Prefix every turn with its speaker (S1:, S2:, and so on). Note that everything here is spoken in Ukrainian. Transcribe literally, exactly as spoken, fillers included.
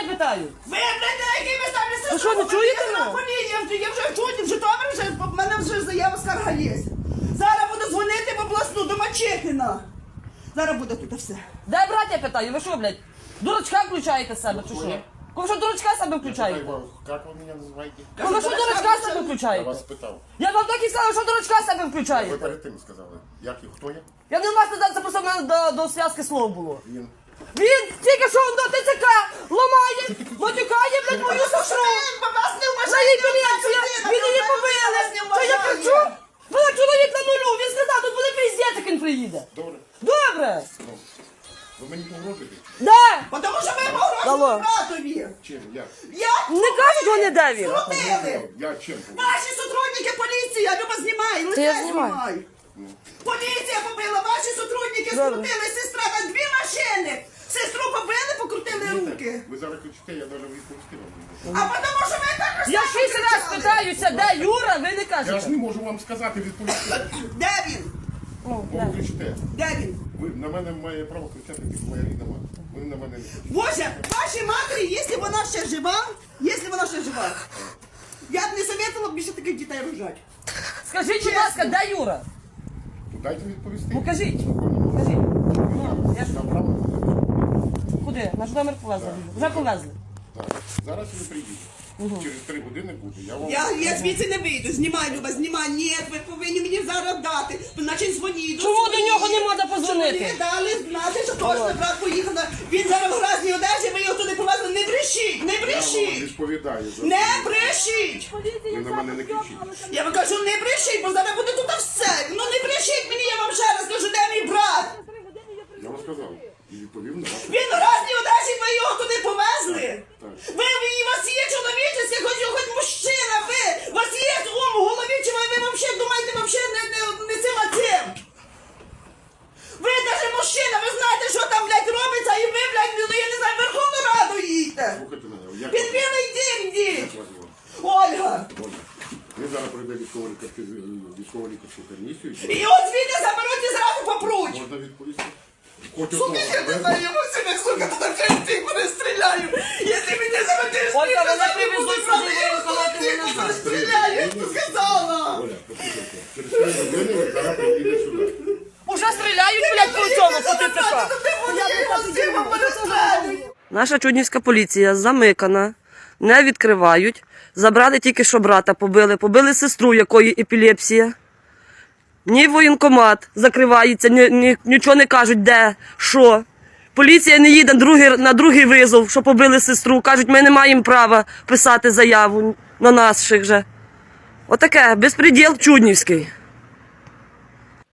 S1: питаю?
S2: Ви, блядь, на якій ви ставлю сестру?
S1: Ви що, не чуєте мене?
S2: Я вже, я вже чую, вже добре, вже, в мене вже заява скарга є. Зараз буду дзвонити в обласну до Мачехіна. Зараз буде тут все.
S1: Де браття питаю? Ви що, блядь? Дурачка включаєте себе, чи що? Ви що дурачка себе включаєте?
S3: Как вы меня называете?
S1: Ви що дурачка себе
S3: Я
S1: включаєте?
S3: вас питав.
S1: Я вам так і сказала, що дурачка себе
S3: Ви
S1: включаєте.
S3: перед тим сказали. Як і хто я?
S1: Я не вас не це просто в мене до, до зв'язки слов було.
S3: Він.
S1: Він тільки що до ТЦК ламає, матюкає, блядь, мою сестру.
S2: Вас не
S1: На її поліція, він її побили. Що я кричу? Вона чоловік на нулю, він сказав, тут буде пиздець, як він приїде.
S3: Добре.
S1: Добре.
S3: Ну, ви мені погрожуєте?
S1: Да.
S2: Тому що ви
S1: Алло.
S2: погрожуєте братові.
S3: Чим? Як?
S2: Як?
S1: Не кажуть вони, де він.
S2: Крутили.
S3: Я чим?
S2: Ваші сотрудники поліції, я Люба знімай,
S1: Та я
S2: лице
S1: знімаю.
S2: знімай. Поліція побила, ваші сотрудники
S1: Добре.
S2: скрутили, сестра на дві машини. Сестру побили, покрутили руки.
S3: Ви зараз кричите, я навіть відповісти вам не
S2: А
S3: можу.
S2: тому що ви також
S1: Я шість раз питаюся, де Юра, ви не
S3: Я ж
S1: кажете.
S3: не можу вам сказати, відповісти.
S2: Де він?
S1: Ну,
S3: Бо
S1: де?
S3: ви кричите.
S2: Де він?
S3: Ви на мене має право кричати, тільки моя рідна мати. Ви на мене не кричите.
S2: Боже, вашій матері, якщо вона ще жива, якщо вона ще жива, я б не советувала б більше таких дітей рожати.
S1: Скажіть, будь ласка, де Юра?
S3: То дайте відповісти.
S1: Ну кажіть.
S3: Спокійно.
S1: Кажіть. Ну, я ж...
S3: Там право.
S1: Куди? Наш номер повезли. Вже повезли.
S3: Так. Зараз ви приїдете. Через три години буде. Я вам...
S2: Я, я звідси не вийду, знімай, Люба, знімай. Ні, ви повинні мені зараз дати. Значить, дзвоніть.
S1: Чому до нього не можна позвонити?
S2: Мені дали знати, що точно брат поїхав. на- Він зараз в гразній одежі, ви його туди повезли. Не брешіть, не
S3: Я вам
S2: брешіть.
S3: відповідаю. за
S2: Не
S3: це.
S2: брешіть.
S3: Ви на мене не кричіть.
S2: Я вам кажу, не брешіть, бо зараз буде тут все. Ну не брешіть мені, я вам ще раз кажу, де мій брат.
S3: Я вам сказав. І відповів на ваше.
S2: Він в гразній одежі, ви його туди повезли.
S3: Так.
S2: Ви, ви, у вас є чоловічесть, хоч, хоч мужчина, ви. У вас є ум в голові, чи ви, ви взагалі думаєте, взагалі не, не, не цим, а цим. Ви навіть мужчина, ви знаєте, що там, блядь, робиться, і ви, блядь, ну, я не знаю, в Верховну Раду їдьте.
S3: Слухайте мене. Як
S2: Під
S3: вас-
S2: білий дім
S3: як
S2: йдіть.
S3: вас звати?
S2: Ольга.
S3: Оля, ви зараз пройде військово-лікарську комісію.
S2: І от звідти заберуть і зразу попруть.
S3: Можна відповісти? Хоч
S2: Сука,
S3: одного.
S2: я не знаю, я сьогодні, сука, тут вже всіх перестріляю. Якщо мені заведеш,
S1: Ольга, мене привезуть сюди, виїхати не назад.
S2: перестріляю, я тобі сказала.
S3: Оля, послухайте. Через три години ви зараз приїдете сюди.
S1: Уже стріляють, блядь, по цьому, по ТЦК. Наша чуднівська поліція замикана, не відкривають. Забрали тільки що брата, побили. Побили сестру, якої епілепсія. Ні воєнкомат закривається, ні, ні, нічого не кажуть, де, що. Поліція не їде другий, на другий визов, що побили сестру. Кажуть, ми не маємо права писати заяву на наших же. Отаке, безпреділ чуднівський.